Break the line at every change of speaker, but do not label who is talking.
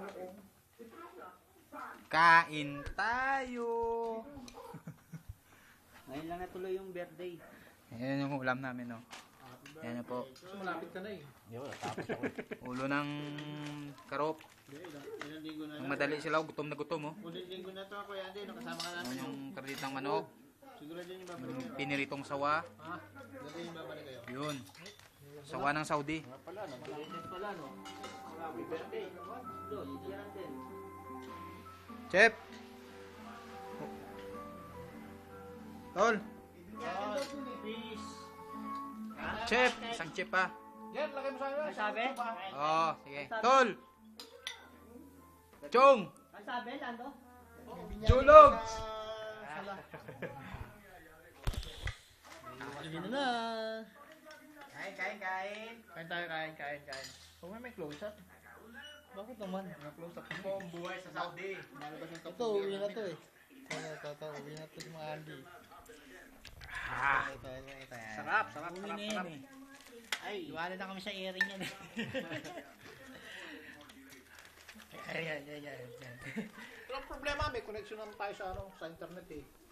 Kain tayo.
Ngayon lang natuloy yung birthday.
Ayan yung ulam namin, no. Ayan na po.
Malapit ka na eh.
Ulo ng karop.
Ilang linggo na
Ang madali sila, gutom na gutom, oh.
Ulit linggo na to, Kuya Andy. Nakasama ka
Ayan
namin.
yung karditang manok.
Siguro din yung babalik
Yung
kayo.
piniritong sawa.
Dati yung babalik kayo.
Yun. Sawa ng Saudi.
Malinis pala, no? Happy birthday. Doon, yan natin.
Chef! Tol!
Peace.
Chef! Isang chef pa.
Yan, lagay mo sa akin.
Ang sabi?
Oo, sige. Tol! Chong!
Ang sabi, Lando?
Julog!
Hindi na na.
Kain.
Kain tayo, kain. Huwag may close up. Bakit naman? May close up.
Ito ang buhay sa Saudi.
Ito, uwi na to eh. Ito, uwi na to si mga Andy. Ito.
Sarap.
Uwi na yan eh. Ay, iwanan na kami sa airing yan eh.
Ayan. Walang problema, may connection naman tayo sa internet eh.